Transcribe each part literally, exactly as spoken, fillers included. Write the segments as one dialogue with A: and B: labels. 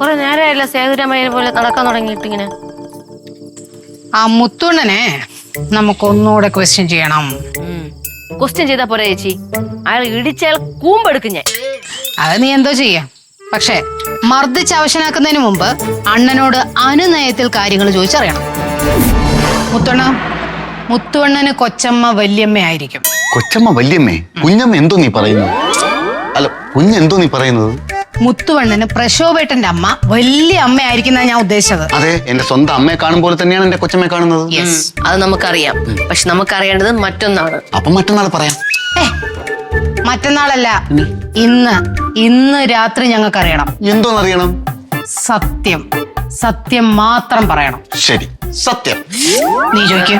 A: കൊറേ നേരമായില്ല സേതുരാമയ്യനെ പോലെ നടക്കാൻ തുടങ്ങിയിട്ട് ഇങ്ങനെ.
B: ആ മുത്തുണ്ണനെ നമുക്കൊന്നുകൂടെ ക്വസ്റ്റ്യൻ ചെയ്യണം.
A: ക്വസ്റ്റ്യൻ ചെയ്താ പോരാ ചേച്ചി, അയാൾ ഇടിച്ചയാൾ കൂമ്പെടുക്കും ഞാൻ.
B: അത് നീ എന്തോ ചെയ്യാം, പക്ഷെ മർദ്ദിച്ച് അവശനാക്കുന്നതിന് മുമ്പ് അണ്ണനോട് അനുനയത്തിൽ കാര്യങ്ങൾ ചോദിച്ചറിയണം. മുത്തുണ്ണ, മുത്തുവണ്ണന് കൊച്ചമ്മ വല്യമ്മയായിരിക്കും.
C: കൊച്ചമ്മ വല്യമ്മേ? കുഞ്ഞമ്മ എന്തോ നീ പറയുന്നത്? അല്ല, കുഞ്ഞെന്തോ നീ പറയുന്നത്?
B: മുത്തുവണ്ണന് പ്രശോഭേട്ടന്റെ അമ്മ വലിയ അമ്മയായിരിക്കും ഞാൻ ഉദ്ദേശിച്ചത്.
C: അതെ, എന്റെ സ്വന്തം അമ്മയെ കാണുമ്പോൾ തന്നെയാണ് എന്റെ കൊച്ചമ്മയെ കാണുന്നത്.
A: അത് നമുക്കറിയാം, പക്ഷെ നമുക്കറിയേണ്ടത് മറ്റൊന്നാണ്.
C: അപ്പൊ മറ്റന്നാൾ പറയാം.
B: ഏ മറ്റന്നാളല്ല, ഇന്ന് ഇന്ന് രാത്രി ഞങ്ങൾക്കറിയണം.
C: എന്തോന്നറിയണം?
B: സത്യം, സത്യം മാത്രം പറയണം.
C: ശരി, സത്യം.
B: നീ ചോദിക്കും.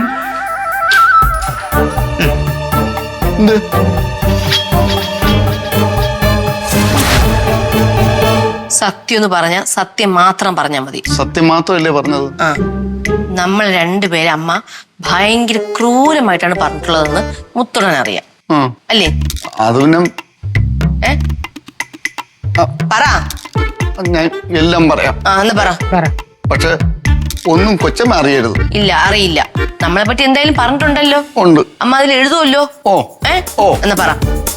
A: സത്യം എന്ന് പറഞ്ഞ സത്യം മാത്രം പറഞ്ഞാ മതി.
C: സത്യം മാത്രമല്ലേ പറഞ്ഞത്?
A: ആ, നമ്മൾ രണ്ടുപേരെ അമ്മ ഭയങ്കര ക്രൂരമായിട്ടാണ് പറഞ്ഞിട്ടുള്ളതെന്ന് മുത്തുണ്ണൻ അറിയാം, അല്ലേ?
C: അത് പിന്നെ
A: ഏ പറ.
C: ഞാൻ എല്ലാം പറയാം.
A: ആ എന്ന് പറ.
C: പക്ഷെ ഒന്നും കൊച്ചമ്മ അറിയരുത്.
A: ഇല്ല, അറിയില്ല. നമ്മളെ പറ്റി എന്തായാലും പറഞ്ഞിട്ടുണ്ടല്ലോ.
C: ഉണ്ട്.
A: അമ്മ അതിൽ എഴുതുമല്ലോ.
C: ഓ
A: ഏ
C: ഓ
A: എന്ന് പറ.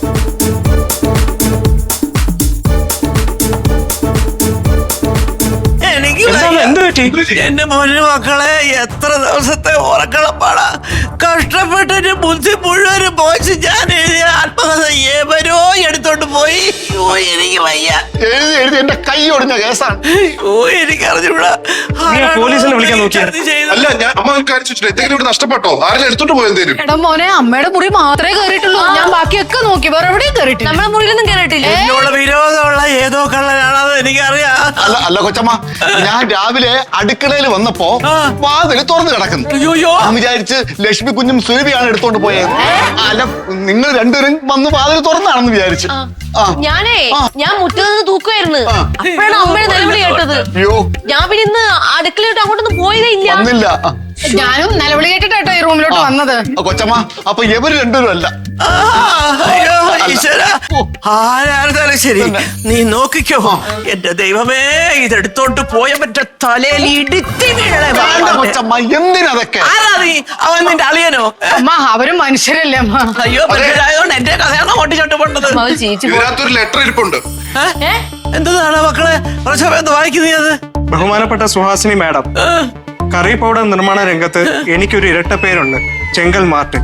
D: എന്റെ മോന് മക്കളെ, എത്ര ദിവസത്തെ ഉറക്കളപ്പാടാ കഷ്ടപ്പെട്ടിട്ട് ബുദ്ധി മുഴുവനും പോയിച്ച് ഞാൻ എഴുതിയ ആത്മകഥ ഏവരോ എടുത്തോണ്ട് പോയി. ഓ എനിക്ക് വയ്യ.
C: എഴുതി എഴുതി എന്റെ കൈ ഒടിഞ്ഞ കേസാണ്.
D: ഓ എനിക്ക് അറിഞ്ഞൂടാ.
E: പോലീസിനെ വിളിക്കാൻ നോക്കിയാ? അല്ല, ഞാൻ അമ്മ എന്തെങ്കിലും ഇവിടെ നഷ്ടപ്പെട്ടോ? ആരെങ്കിലും എടുത്തോണ്ട് പോയെന്തേലും?
B: എടാ മോനെ, അമ്മയുടെ മുറി മാത്രമേ കയറിയിട്ടുള്ളൂ. ഞാൻ ബാക്കിയൊക്കെ നോക്കി, വേറെ എവിടെയും കയറിയിട്ടില്ല.
A: നമ്മളെ മുറിയിലൊന്നും കയറിയിട്ടില്ല.
D: എന്നോട് വിരോധമുള്ള ഏതോ കള്ളനാണത് എനിക്കറിയാം.
C: അല്ല അല്ല കൊച്ചമ്മ, ഞാൻ രാവിലെ അടുക്കളയിൽ വന്നപ്പോ വാതില് തുറന്നു കിടക്കുന്നു. ഞാൻ വിചാരിച്ച് ലക്ഷ്മി കുഞ്ഞും സുരഭിയാണ് എടുത്തോണ്ട് പോയത്. അല്ല, നിങ്ങൾ രണ്ടുപേരും വന്ന് വാതില് തുറന്നാണെന്ന് വിചാരിച്ചു.
A: ഞാനേ ഞാൻ മുറ്റത്ത് നിന്ന് തൂക്കുമായിരുന്നു. അപ്പോഴാണ് അമ്മയുടെ നിലവിളി കേട്ടത്. ഞാൻ പിന്നെ ഇന്ന് അടുക്കളയോട്ട് അങ്ങോട്ടൊന്നും പോയതേ ഇല്ല.
C: വന്നില്ല.
B: ഞാനും നിലവിളി കേട്ടിട്ടോ ഈ റൂമിലോട്ട് വന്നത്.
C: കൊച്ചമ്മ, അപ്പൊ ഇവര് രണ്ടുപേരും അല്ല.
D: അയ്യോ ഈശ്വര, ആരായിരുന്നാലും ശരി നീ നോക്കിക്കോ. എന്റെ ദൈവമേ, ഇതെടുത്തോണ്ട് പോയ മറ്റേ തലയിൽ ഇടിത്തി വീഴണേ.
C: കൊച്ചമ്മ, എന്തിനതൊക്കെ?
D: ആരാ നീ? അവൻ നിന്റെ അളിയനോ?
B: അമ്മ, അവരും മനുഷ്യരല്ലേ അമ്മ?
D: അയ്യോ, മനുഷ്യരായതുകൊണ്ട് എന്റെ കഥയാണ് ഓട്ടിച്ചോട്ട് പോണ്ടത്.
E: ഇതിനകത്തൊരു ലെറ്റർ ഇരിപ്പുണ്ട്.
D: എന്താണ് മക്കളെ പ്രശോഭ വായിക്കുന്നേ? അത്
E: ബഹുമാനപ്പെട്ട സുഹാസിനി മാഡം, കറി പൗഡർ നിർമ്മാണ രംഗത്ത് എനിക്കൊരു ഇരട്ട പേരുണ്ട്, ചെങ്കൽ മാർട്ടിൻ.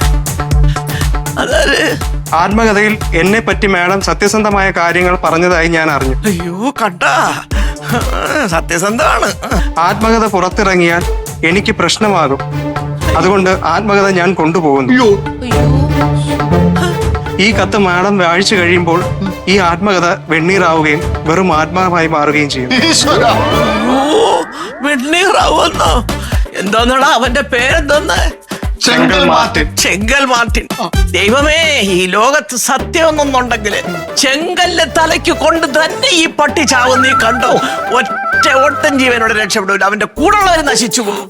E: ആത്മകഥയിൽ എന്നെ പറ്റി മാഡം സത്യസന്ധമായ കാര്യങ്ങൾ പറഞ്ഞതായി ഞാൻ അറിഞ്ഞു.
D: അയ്യോ കണ്ടാ, സത്യസന്ധമാണ്.
E: ആത്മകഥ പുറത്തിറങ്ങിയാൽ എനിക്ക് പ്രശ്നമാകും, അതുകൊണ്ട് ആത്മകഥ ഞാൻ കൊണ്ടുപോകുന്നു. ഈ കത്ത് മാഡം വായിച്ചു കഴിയുമ്പോൾ ഈ ആത്മകഥ വെണ്ണീറാവുകയും വെറും ആത്മാവായി മാറുകയും ചെയ്യും.
D: വെണ്ണീറാവുന്നോ? എന്തോന്നടാ അവന്റെ പേരെന്തോന്ന്?
C: ചെങ്കൽ മാർട്ടിൻ.
D: ചെങ്കൽ മാർട്ടിൻ. ദൈവമേ, ഈ ലോകത്ത് സത്യമൊന്നുണ്ടെങ്കിൽ ചെങ്കല്ല് തലയ്ക്ക് കൊണ്ട് തന്നെ ഈ പട്ടി ചാവും. നീ കണ്ടോ? ഒറ്റ ഒട്ടൻ ജീവനോട് രക്ഷപ്പെടില്ല, അവന്റെ കൂടെയുള്ളവർ നശിച്ചു പോകും.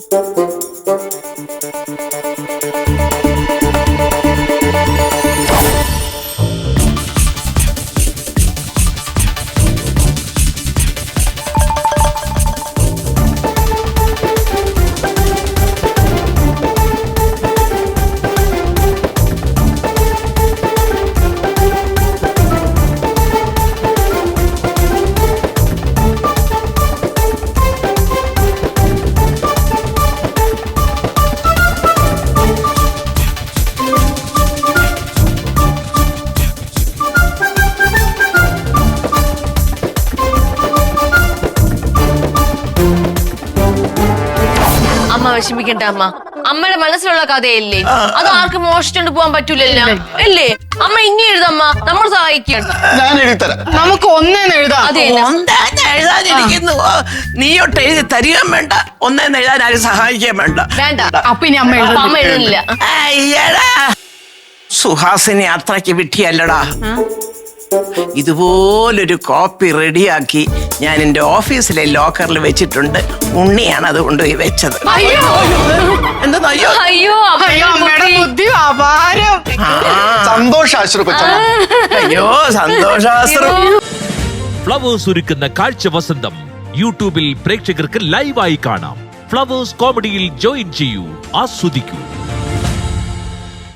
A: വിഷമിക്കണ്ട അമ്മ. അമ്മയുടെ മനസ്സിലുള്ള കഥയല്ലേ, അത് ആർക്കും മോഷിച്ചോണ്ട് പോകാൻ പറ്റൂലല്ലോ, അല്ലേ? അമ്മ ഇനി എഴുതമ്മ, നമ്മൾ സഹായിക്കണം.
C: ഞാൻ എഴുതിത്തരാം.
B: നമുക്ക് ഒന്നേന്ന് എഴുതാം.
A: അതെ,
D: എഴുതാനിരിക്കുന്നു. നീയൊട്ട് എഴുതി തരികയും വേണ്ട, ഒന്നേന്ന് എഴുതാൻ ആരും സഹായിക്കുകയും വേണ്ട.
A: വേണ്ട.
B: അപ്പൊ ഇനി അമ്മ
A: അമ്മ എഴുതില്ല.
D: അയ്യടാ, സുഹാസിനി അത്രയ്ക്ക് വിട്ടിയല്ലടാ. ഇതുപോലൊരു കോപ്പി റെഡിയാക്കി ഞാൻ എന്റെ ഓഫീസിലെ ലോക്കറിൽ വെച്ചിട്ടുണ്ട്. ഉണ്ണിയാണ് അത് കൊണ്ടുപോയി വെച്ചത്. എന്താ? അയ്യോ
A: അയ്യോ
B: അമ്മയുടെ ബുദ്ധി അപാരം.
C: സന്തോഷാശ്രു കൊച്ചമ്മ.
D: അയ്യോ സന്തോഷാശ്രു.
F: ഫ്ലവേഴ്സ് ഒരുക്കുന്ന കാഴ്ച വസന്തം യൂട്യൂബിൽ പ്രേക്ഷകർക്ക് ലൈവായി കാണാം. ഫ്ലവേഴ്സ് കോമഡിയിൽ ജോയിൻ ചെയ്യൂ, ആസ്വദിക്കൂ.